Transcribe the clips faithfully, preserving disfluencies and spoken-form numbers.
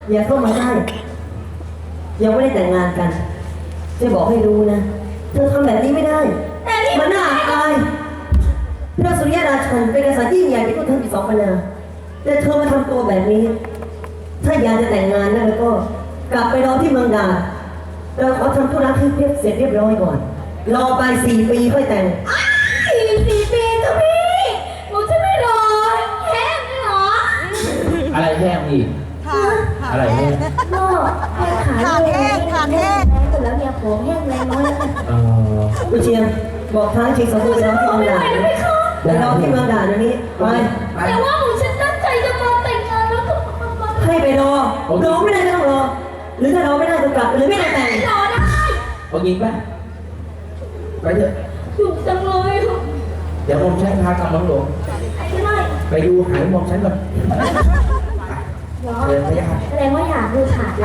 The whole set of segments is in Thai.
อย่าเข้ามาได้ยังไม่ได้แต่งงานกันจะบอกให้รู้นะเธอทำแบบนี้ไม่ได้มันน่าอายพระสุริยราชันเป็นกษัตริย์ยิ่งใหญ่ที่พวกเธอมีสองปัญญาแต่เธอมาทำตัวแบบนี้ถ้าอยากจะแต่งงานนะแล้วก็กลับไปรอที่เมืองดาเราขอทำธุระที่เพียบเสร็จเรียบร้อยก่อนรอไปสี่ปีค่อยแต่งสี่สี่ปีจ้ะพี่หนูจะไม่รอแห้งไม่หรออะไรแห้งอีกอะไรแห้งก็แห้งขาแห้งขาแห้งแต่แล้วเนี่ยผมแห้งแรงน้อยแล้วกันเออกุเชียงบอกทางชิงสองคนไปรอที่เมืองดาไปรอที่เมืองดาเดี๋ยวนี้ไปแต่ว่าหนูฉันตั้งใจจะมาแต่งงานแล้วก็มามาให้ไปรอรอไม่ได้ก็ต้องรอหรือถ้ารอไม่ได้ก็กลับหรือไม่ได้แต่งรอได้เอายิงป่ะไปเถอะอยู่จังเลยค่ะเดี๋ยวผมใช้พากำลังหลวงไม่ได้ไปดูหายมองฉันก่อนเหรอเดินไปยังไงแสดงว่าอยากดูขาดเรา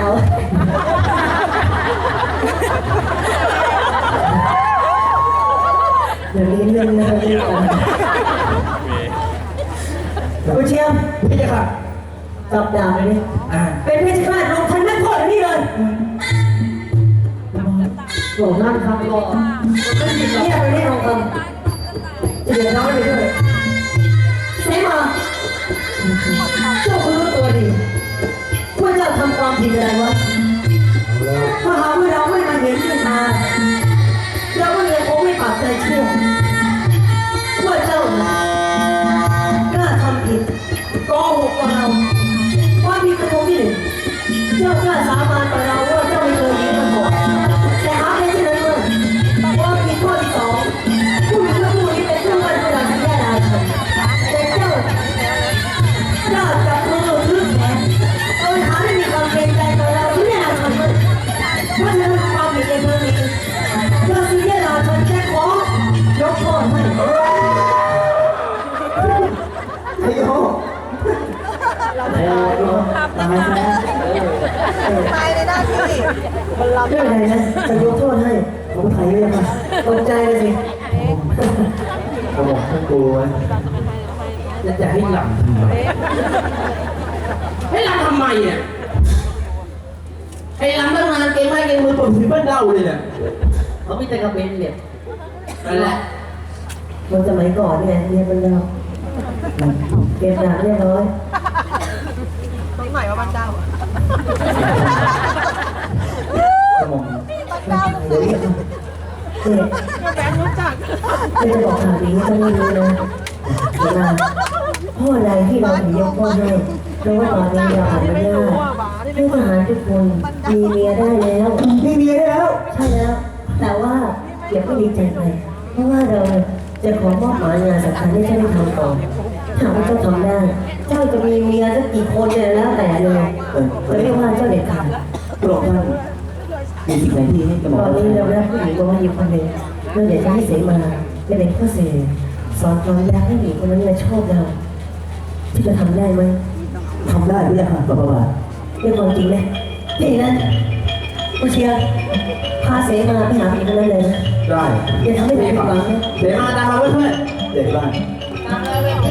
เดี๋ยวนี้เรื่องนะเรื่องกันกุเชียงพี่จะค่ะจับดาบเลยดิอ่าเป็นเพชฌฆาตลงทันนักโทษอันนี้เลยโหนั่นครับรอเนี่ยไปนี่ลงคำจะเดือดร้อนไปด้วยเสมาเจ้าคุณรู้ตัวดีว่าเจ้าทำความผิดอะไรวะถ้าหากว่าเราไม่มาเห็นขึ้นมาเราก็ยังคงไม่ปักใจเชื่อว่าเจ้าน่ะกล้าทำผิดโกหกกับเราความผิดกระทงที่หนึ่งเจ้ากล้าสาบานกับเราว่าเจ้าไม่เคยยิงมันบอกแต่หาไม่ใช่นั้นเลยความผิดข้อที่สองผู้หญิงและผู้นี้เป็นผู้ว่าผู้ใดที่แย่ดายฉันแต่เจ้ากล้าจับมือถือแขนเอาหาไม่มีความเกรงใจกับเราที่แย่ดายฉันเลยเพราะฉะนั้นความผิดในครั้งนี้เราที่แย่ดายฉันแค่ขอยกโทษให้ไอ้โหตายแล้วตายแล้วตายในหน้าที่มันรับไม่เป็นไรนะจะยกโทษให้ผมถ่ายเลยค่ะตกใจเลยสิเขาบอกให้กลัวจะจะให้หลับทำไมให้หลับทำไมเนี่ยไอ้หลับตั้งนานเก่งมากเก่งมือปวดผิวบ้านเล่าเลยเนี่ยเขามีแต่กระเบนเนี่ยนั่นแหละคนสมัยก่อนเนี่ยเรียนมันเราเก็บดาบเรียบร้อยต้องหมายว่าบ้านเจ้าสมองเดี๋ยวนี้เด็กแบงค์รู้จักไม่จะบอกข่าวดีให้ต้องไม่รู้นะเวลาพ่อใดที่เราถึงยกโทษให้เพราะว่าตอนนี้เราอ่านไม่ได้ให้ทหารทุกคนมีเมียได้แล้วมีเมียได้แล้ว ใช่แล้ว แต่ว่าเดี๋ยวก็ดีใจไปเพราะว่าเราจะขอมอบหมายงานสำคัญให้เจ้าได้ทำต่อถ้าว่าเจ้าทำได้ เจ้าจะมีเมียสักกี่คนเนี่ยแล้วแต่เลยจะเรียกว่าเจ้าเด็ดขาดโปรดท่านมีสิ่งไหนที่ให้กระหตม่ออมนนี้เราได้ผู้หญิงมาว่าอยู่คนหนึ่งเราอยากจะให้เสมาเป็นเด็กข้อเสียสอนความรักให้หญิงคนนั้นมาชอบเราที่จะทำได้ไหมทำได้ด้วยค่ะประวัติเรื่องความจริงไหมนี่นะผู้เชียร์พาเสมาไปหาผู้หญิงคนนั้นเลยนะได้อย่าทำให้ผมผิดหวังนะเดี๋ยวมาตามมาเพื่อนๆเดี๋ยวบ้านมาเลย